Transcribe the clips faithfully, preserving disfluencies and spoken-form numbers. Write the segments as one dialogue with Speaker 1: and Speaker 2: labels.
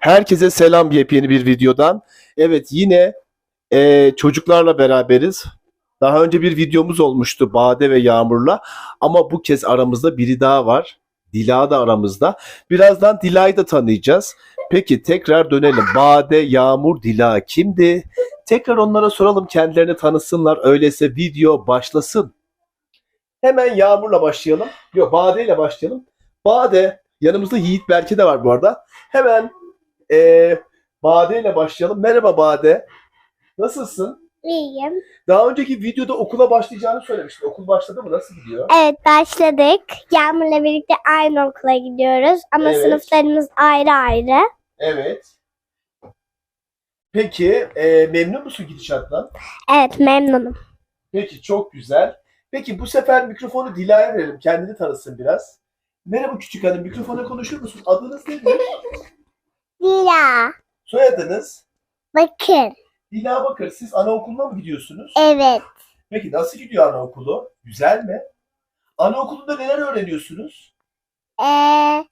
Speaker 1: Herkese selam yepyeni bir videodan. Evet yine e, çocuklarla beraberiz. Daha önce bir videomuz olmuştu Bade ve Yağmur'la. Ama bu kez aramızda biri daha var. Dila da aramızda. Birazdan Dila'yı da tanıyacağız. Peki tekrar dönelim. Bade, Yağmur, Dila kimdi? Tekrar onlara soralım, kendilerini tanısınlar. Öyleyse video başlasın. Hemen Yağmur'la başlayalım. Yok, Bade ile başlayalım. Bade, yanımızda Yiğit Berke de var bu arada. Hemen ee, Bade ile başlayalım. Merhaba Bade. Nasılsın?
Speaker 2: İyiyim.
Speaker 1: Daha önceki videoda okula başlayacağını söylemiştin. Okul başladı mı? Nasıl gidiyor?
Speaker 2: Evet, başladık. Yağmur'la birlikte aynı okula gidiyoruz. Ama
Speaker 1: Evet.
Speaker 2: sınıflarımız ayrı ayrı.
Speaker 1: Evet. Peki e, memnun musun gidişattan?
Speaker 2: Evet, memnunum.
Speaker 1: Peki, çok güzel. Peki bu sefer mikrofonu Dila'ya verelim. Kendini tanısın biraz. Merhaba küçük hanım. Mikrofona konuşur musun? Adınız nedir?
Speaker 2: Dila.
Speaker 1: Soyadınız?
Speaker 2: Bakın.
Speaker 1: Dila Bakır. Siz anaokuluna mı gidiyorsunuz?
Speaker 2: Evet.
Speaker 1: Peki nasıl gidiyor anaokulu? Güzel mi? Anaokulunda neler öğreniyorsunuz?
Speaker 2: Ee,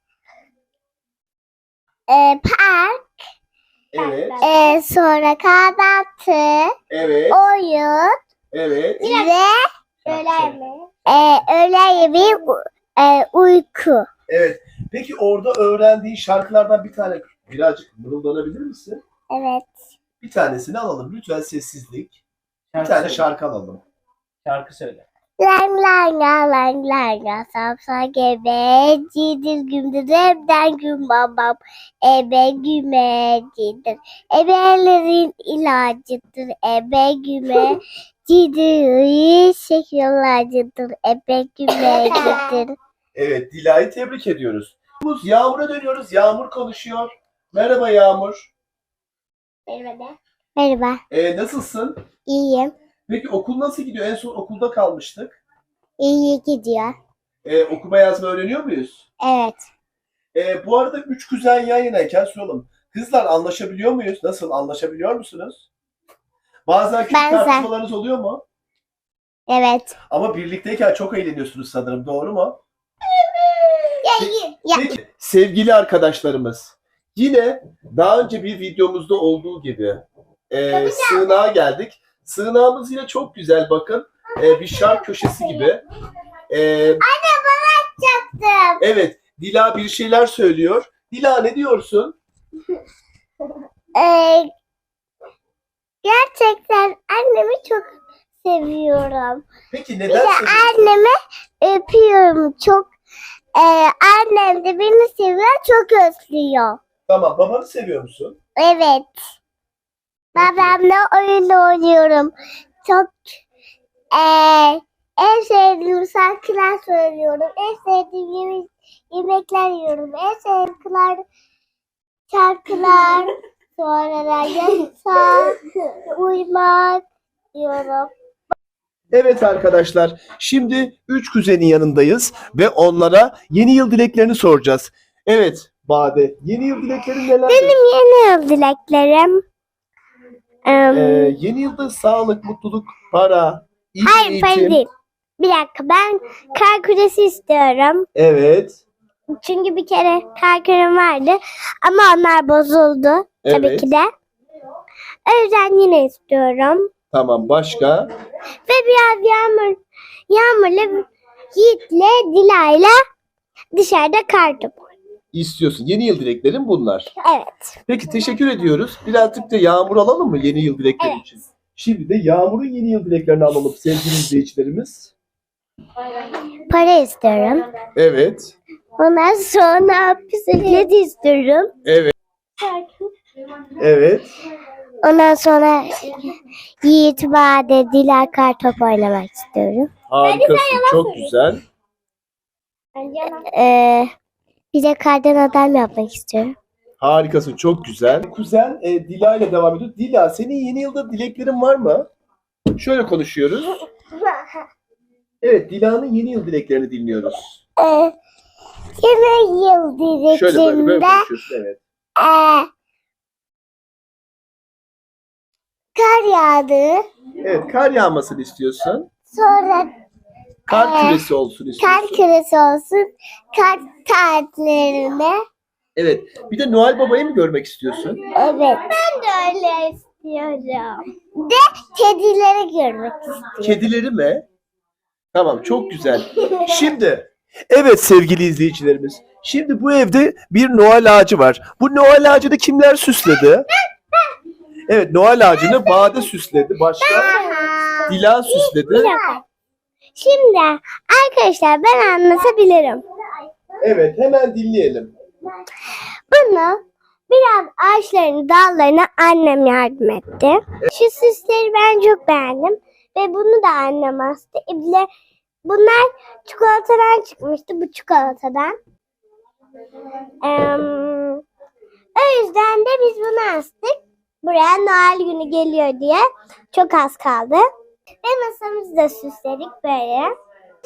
Speaker 2: e, park.
Speaker 1: Evet.
Speaker 2: E, sonra kahvaltı.
Speaker 1: Evet.
Speaker 2: Oyun.
Speaker 1: Evet.
Speaker 2: Ve öğlen mi? E, öğlen yemeği u- e, uyku.
Speaker 1: Evet. Peki orada öğrendiğin şarkılardan bir tane birazcık mırıldanabilir misin?
Speaker 2: Evet.
Speaker 1: Bir tanesini alalım. Lütfen sessizlik. Bir
Speaker 3: Şarkı
Speaker 1: tane
Speaker 3: söyle.
Speaker 1: şarkı alalım.
Speaker 3: Şarkı söyle.
Speaker 2: Lang lang lang lang lang lang sapsa gebe cidir gündür evden gün babam ebe güme cidir ebelerin ilacıdır ebe güme cidir şekillacıdır ebe güme cidir.
Speaker 1: Evet. Dila'yı tebrik ediyoruz. Yağmur'a dönüyoruz. Yağmur konuşuyor. Merhaba Yağmur.
Speaker 2: Merhaba. Merhaba.
Speaker 1: Ee, nasılsın?
Speaker 2: İyiyim.
Speaker 1: Peki okul nasıl gidiyor? En son okulda kalmıştık.
Speaker 2: İyi gidiyor.
Speaker 1: Ee, okuma yazma öğreniyor muyuz?
Speaker 2: Evet.
Speaker 1: Ee, bu arada üç kuzen yan yanayken soralım. Kızlar anlaşabiliyor muyuz? Nasıl? Anlaşabiliyor musunuz? Bazen küçük
Speaker 2: Benzer.
Speaker 1: tartışmalarınız oluyor mu?
Speaker 2: Evet.
Speaker 1: Ama birlikteyken çok eğleniyorsunuz sanırım. Doğru mu?
Speaker 2: Ya.
Speaker 1: Peki sevgili arkadaşlarımız, yine daha önce bir videomuzda olduğu gibi e, sığınağa geldik. Sığınağımız yine çok güzel, bakın. E, bir şark köşesi gibi. E,
Speaker 2: Yaptım.
Speaker 1: evet, Dila bir şeyler söylüyor. Dila ne diyorsun?
Speaker 2: Ee, gerçekten annemi çok seviyorum.
Speaker 1: Peki
Speaker 2: Bir
Speaker 1: neden
Speaker 2: de
Speaker 1: seviyorsun?
Speaker 2: annemi öpüyorum çok. Ee, annem de beni seviyor, çok özlüyor.
Speaker 1: Tamam, babanı seviyor musun?
Speaker 2: Evet. Babamla oyun oynuyorum. Çok ee, en sevdiğim şarkılar söylüyorum. En sevdiğim yemek, yemekler yiyorum. En sevdiğim şarkılar sonra da yatak, uyumak diyorum.
Speaker 1: Evet arkadaşlar, şimdi üç kuzenin yanındayız ve onlara yeni yıl dileklerini soracağız. Evet Bade, yeni yıl dileklerin neler?
Speaker 2: Benim yeni yıl dileklerim. Em,
Speaker 1: Ee, yeni yılda sağlık, mutluluk, para, iyi
Speaker 2: hayır,
Speaker 1: eğitim.
Speaker 2: para değil. Bir dakika, ben kar küresi istiyorum.
Speaker 1: Evet.
Speaker 2: Çünkü bir kere kar kürem vardı ama onlar bozuldu tabii
Speaker 1: Evet.
Speaker 2: ki de. O yüzden yine istiyorum.
Speaker 1: Tamam, başka?
Speaker 2: Ve biraz yağmur, yağmurla, Yiğit'le, Dila'yla dışarıda kar topu.
Speaker 1: İstiyorsun. Yeni yıl dileklerin bunlar.
Speaker 2: Evet.
Speaker 1: Peki teşekkür ediyoruz. Birazcık da Yağmur alalım mı yeni yıl dilekleri
Speaker 2: Evet.
Speaker 1: için? Şimdi de Yağmur'un yeni yıl dileklerini alalım sevgili izleyicilerimiz.
Speaker 2: Para istiyorum.
Speaker 1: Evet.
Speaker 2: Ondan sonra bisiklet istiyorum.
Speaker 1: Evet. Evet.
Speaker 2: Ondan sonra Yiğit, Bade, Dila kar topu oynamak istiyorum.
Speaker 1: Harikasın. Çok güzel.
Speaker 2: Ee, bir de kardan adam yapmak istiyorum.
Speaker 1: Harikasın. Çok güzel. Kuzen e, Dila ile devam ediyor. Dila, senin yeni yılda dileklerin var mı? Şöyle konuşuyoruz. Evet, Dila'nın yeni yıl dileklerini dinliyoruz.
Speaker 2: Ee, yeni yıl
Speaker 1: Şöyle böyle böyle
Speaker 2: dileklerimde
Speaker 1: konuşuyorsun. Evet.
Speaker 2: ee, kar yağdı.
Speaker 1: Evet, kar yağmasını istiyorsun.
Speaker 2: Sonra
Speaker 1: Kar
Speaker 2: Ee,
Speaker 1: küresi olsun istiyorsun.
Speaker 2: kar küresi olsun. Kar tatillerinde
Speaker 1: Evet. Bir de Noel Baba'yı mı görmek istiyorsun?
Speaker 2: Evet. Ben de öyle istiyorum. De kedileri görmek istiyorum.
Speaker 1: Kedileri mi? Tamam, çok güzel. Şimdi, evet sevgili izleyicilerimiz. Şimdi bu evde bir Noel ağacı var. Bu Noel ağacını kimler süsledi? Evet, Noel ağacını Bade süsledi. Başka? Dila süsledi.
Speaker 2: Bir dakika. Şimdi arkadaşlar ben anlatabilirim.
Speaker 1: Evet, hemen dinleyelim.
Speaker 2: Bunu biraz ağaçların dallarına annem yardım etti. Şu süsleri ben çok beğendim. Ve bunu da annem astı. E bir de bunlar çikolatadan çıkmıştı. Bu çikolatadan. Eee, o yüzden de biz bunu astık. Buraya Noel günü geliyor diye. Çok az kaldı. Ve masamızı da süsledik böyle.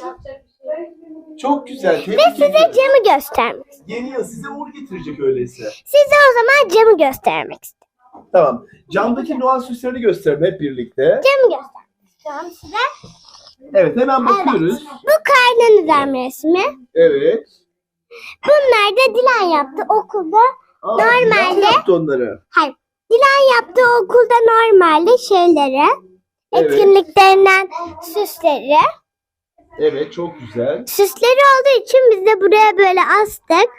Speaker 1: Çok güzel.
Speaker 2: Ve
Speaker 1: Tebrik
Speaker 2: size
Speaker 1: ederim.
Speaker 2: camı göstermek.
Speaker 1: Yeni yıl size uğur getirecek öyleyse.
Speaker 2: Size o zaman camı göstermek istiyorum.
Speaker 1: Tamam. Camdaki Noel süslerini gösterelim hep birlikte.
Speaker 2: Camı göstermek istiyorum size.
Speaker 1: Evet, hemen bakıyoruz.
Speaker 2: Bu karnınızın resmi.
Speaker 1: Evet.
Speaker 2: Bunlar da Dilan yaptı okulda.
Speaker 1: Aa,
Speaker 2: Normalde-
Speaker 1: Dilan yaptı onları.
Speaker 2: Hayır. Dilan yaptı okulda normalde şeyleri.
Speaker 1: Evet.
Speaker 2: Etkinliklerinden süsleri.
Speaker 1: Evet, çok güzel.
Speaker 2: Süsleri olduğu için biz de buraya böyle astık.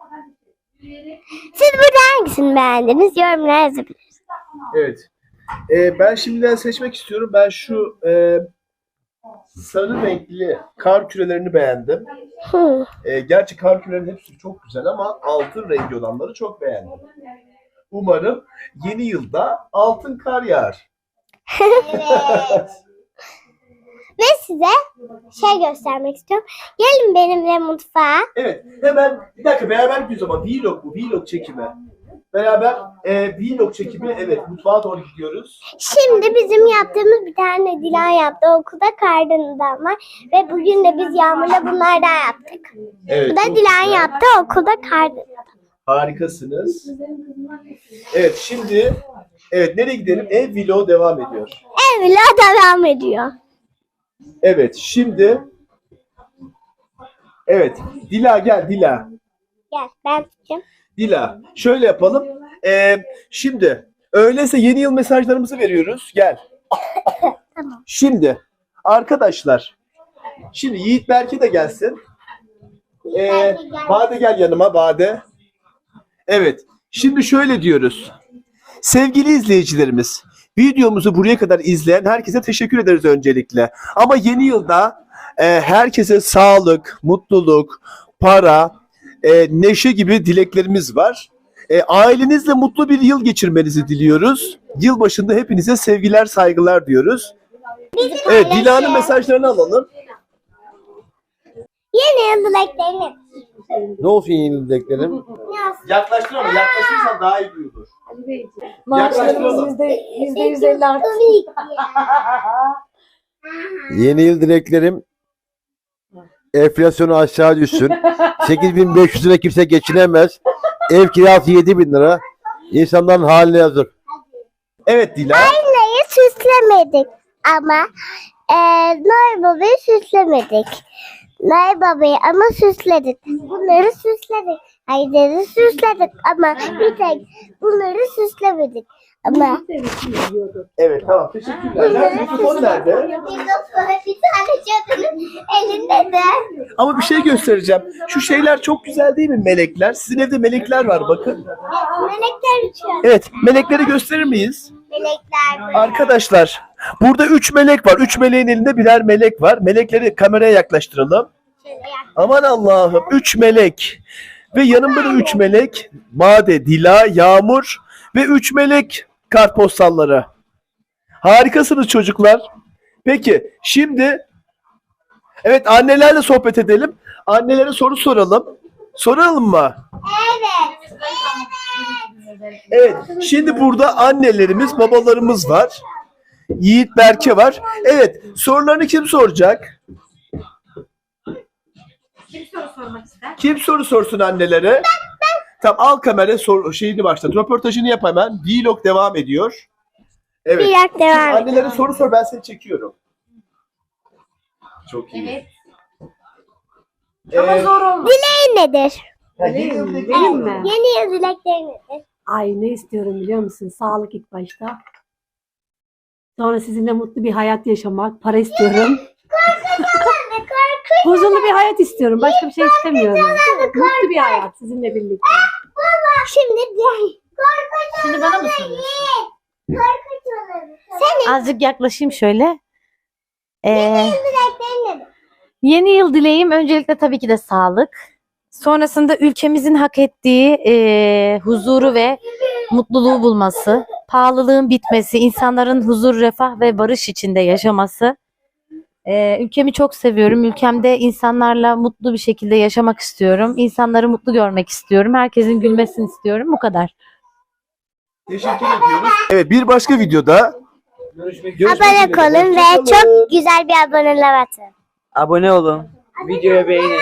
Speaker 2: Siz burada hangisini beğendiniz? Yorumlara yazabilirsiniz.
Speaker 1: Evet. Ee, ben şimdiden seçmek istiyorum. Ben şu e, sarı renkli kar kürelerini beğendim.
Speaker 2: Hı.
Speaker 1: Ee, gerçi kar kürelerinin hepsi çok güzel ama altın rengi olanları çok beğendim. Umarım yeni yılda altın kar yağar.
Speaker 2: Evet. Ve size şey göstermek istiyorum. Gelin benimle mutfağa.
Speaker 1: Evet, hemen bir dakika beraber gidiyoruz ama vlog bu, vlog çekimi. Beraber e, vlog çekimi, evet mutfağa doğru gidiyoruz.
Speaker 2: Şimdi bizim yaptığımız bir tane Dilan yaptı okulda karnından var. Ve bugün de biz Yağmur'la bunlardan yaptık.
Speaker 1: Evet,
Speaker 2: Bu da
Speaker 1: çok
Speaker 2: Dilan
Speaker 1: güzel.
Speaker 2: yaptı okulda karnından.
Speaker 1: Harikasınız. Evet, şimdi evet nereye gidelim? Ev vlogu devam ediyor.
Speaker 2: Evle devam ediyor.
Speaker 1: Evet, şimdi evet, Dila gel Dila.
Speaker 2: Gel ben tutacağım.
Speaker 1: Dila, şöyle yapalım. Ee, şimdi öyleyse yeni yıl mesajlarımızı veriyoruz. Gel.
Speaker 2: Tamam.
Speaker 1: Şimdi arkadaşlar, şimdi Yiğit Berke de gelsin. Ee, Bade gel yanıma Bade. Evet, şimdi şöyle diyoruz. Sevgili izleyicilerimiz, videomuzu buraya kadar izleyen herkese teşekkür ederiz öncelikle. Ama yeni yılda e, herkese sağlık, mutluluk, para, e, neşe gibi dileklerimiz var. E, ailenizle mutlu bir yıl geçirmenizi diliyoruz. Yılbaşında hepinize sevgiler, saygılar diyoruz. Evet, Dila'nın mesajlarını alalım.
Speaker 2: Yeni yıl dileklerini.
Speaker 3: Ne olsun yeni dileklerim?
Speaker 2: Yaz.
Speaker 1: Yaklaştır ama yaklaşırsan daha iyi duyulur.
Speaker 4: Maaşlarımız yüzde yüzde yüz elli arttı.
Speaker 2: Tabii ki.
Speaker 3: Yeni yıl dileklerim enflasyonu aşağı düşsün. sekiz bin beş yüz lira kimse geçinemez. Ev kirası yedi bin lira. İnsanların haline yazık.
Speaker 1: Evet Dila.
Speaker 2: Aileyi süslemedik ama e, Noel Baba'yı süslemedik. Noel Baba'yı ama süsledik. Bunları süsledik. Haydar'ı süsledik ama bir tek bunları süslemedik. Ama
Speaker 1: Evet tamam teşekkürler. Nerede? Mikrofon nerede?
Speaker 2: bir tane cadının elinde de.
Speaker 1: Ama bir şey göstereceğim. Şu şeyler çok güzel değil mi melekler? Sizin evde melekler var bakın.
Speaker 2: Melekler uçuyor.
Speaker 1: Evet melekleri gösterir miyiz?
Speaker 2: Melekler böyle.
Speaker 1: Arkadaşlar burada üç melek var. Üç meleğin elinde birer melek var. Melekleri kameraya yaklaştıralım.
Speaker 2: Şöyle yak-
Speaker 1: Aman Allah'ım üç melek. Ve yanımda da üç melek. Bade, Dila, Yağmur ve üç melek kartpostalları. Harikasınız çocuklar. Peki şimdi evet annelerle sohbet edelim. Annelere soru soralım. Soralım mı?
Speaker 2: Evet.
Speaker 1: Evet. Şimdi burada annelerimiz, babalarımız var. Yiğit Berke var. Evet. Sorularını kim soracak?
Speaker 4: Kim soru sormak ister?
Speaker 1: Kim soru sorsun annelere? Tamam al kamera sor, şeyini başlat. Röportajını yap hemen. Vlog devam ediyor. Evet.
Speaker 2: Bir dakika devam
Speaker 1: Şimdi annelere
Speaker 2: edelim.
Speaker 1: soru sor ben seni çekiyorum. Çok iyi.
Speaker 4: Evet. Ama
Speaker 1: Ee,
Speaker 4: zor olmaz.
Speaker 2: Dileğin nedir?
Speaker 1: Yani
Speaker 4: Benim
Speaker 1: yeni yıl
Speaker 4: mi?
Speaker 1: dilekleri
Speaker 4: Benim
Speaker 1: soralım.
Speaker 4: mi?
Speaker 2: Yeni yıl dilekleri nedir?
Speaker 4: Ay ne istiyorum biliyor musun? Sağlık ilk başta. Sonra sizinle mutlu bir hayat yaşamak. Para istiyorum. Huzurlu bir hayat istiyorum. Başka bir şey istemiyorum. Mutlu bir hayat sizinle birlikte.
Speaker 2: Şimdi diğer.
Speaker 5: Şimdi bana mı soruyorsun?
Speaker 2: Senin
Speaker 5: Azıcık yaklaşayım şöyle. Ee,
Speaker 2: dileklerin nedir?
Speaker 5: yeni yıl dileğim öncelikle tabii ki de sağlık. Sonrasında ülkemizin hak ettiği ee, huzuru ve mutluluğu bulması, pahalılığın bitmesi, insanların huzur, refah ve barış içinde yaşaması. Ee, ülkemi çok seviyorum. Ülkemde insanlarla mutlu bir şekilde yaşamak istiyorum. İnsanları mutlu görmek istiyorum. Herkesin gülmesini istiyorum. Bu kadar.
Speaker 1: Teşekkür ediyoruz. Evet bir başka videoda görüşmek
Speaker 2: Abone
Speaker 1: üzere.
Speaker 2: olun ve
Speaker 1: Hoşça kalın.
Speaker 2: çok güzel bir abone atın.
Speaker 6: Abone olun. Videoya beğenin.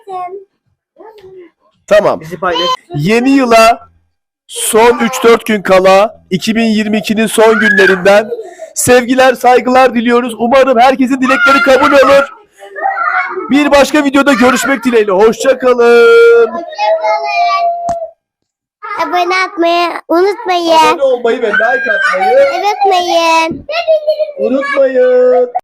Speaker 1: Tamam.
Speaker 6: Bizi paylaşın.
Speaker 1: Yeni yıla son üç dört gün kala iki bin yirmi ikinin son günlerinden sevgiler, saygılar diliyoruz. Umarım herkesin dilekleri kabul olur. Bir başka videoda görüşmek dileğiyle. Hoşça kalın.
Speaker 2: Abone atmayı unutmayın.
Speaker 1: Abone olmayı ve like atmayı
Speaker 2: Unutmayın.
Speaker 1: unutmayın.